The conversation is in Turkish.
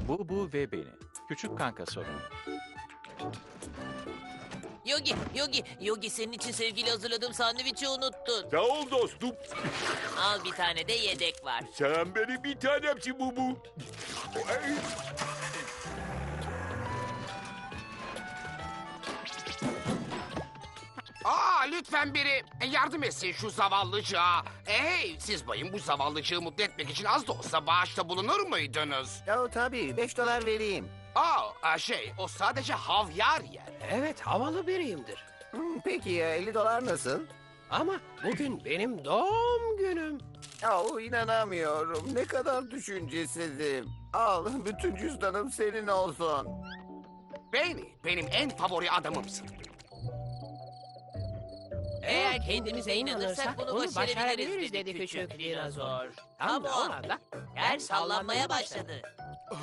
Bu ve beni. Küçük kanka sorunu. Yogi senin için sevgili hazırladığım sandviçi unuttun. Sağ ol dostum. Al bir tane de yedek var. Sen benim bir tanemsin Bubu. Ay, Lütfen biri yardım etsin şu zavallıcığa. Hey, siz bayım bu zavallıcığı mutlu etmek için az da olsa bağışta bulunur muydunuz? Tabii $5 vereyim. O sadece havyar yer. Evet, havalı biriyimdir. Peki ya $50 nasıl? Ama bugün benim doğum günüm. İnanamıyorum. Ne kadar düşüncesizim. Al, bütün cüzdanım senin olsun. Benim en favori adamımsın. Eğer kendimize inanırsak bunu başarabiliriz dedi küçük dinozor. Tam Tam o da o anda anda yer sallanmaya başladı.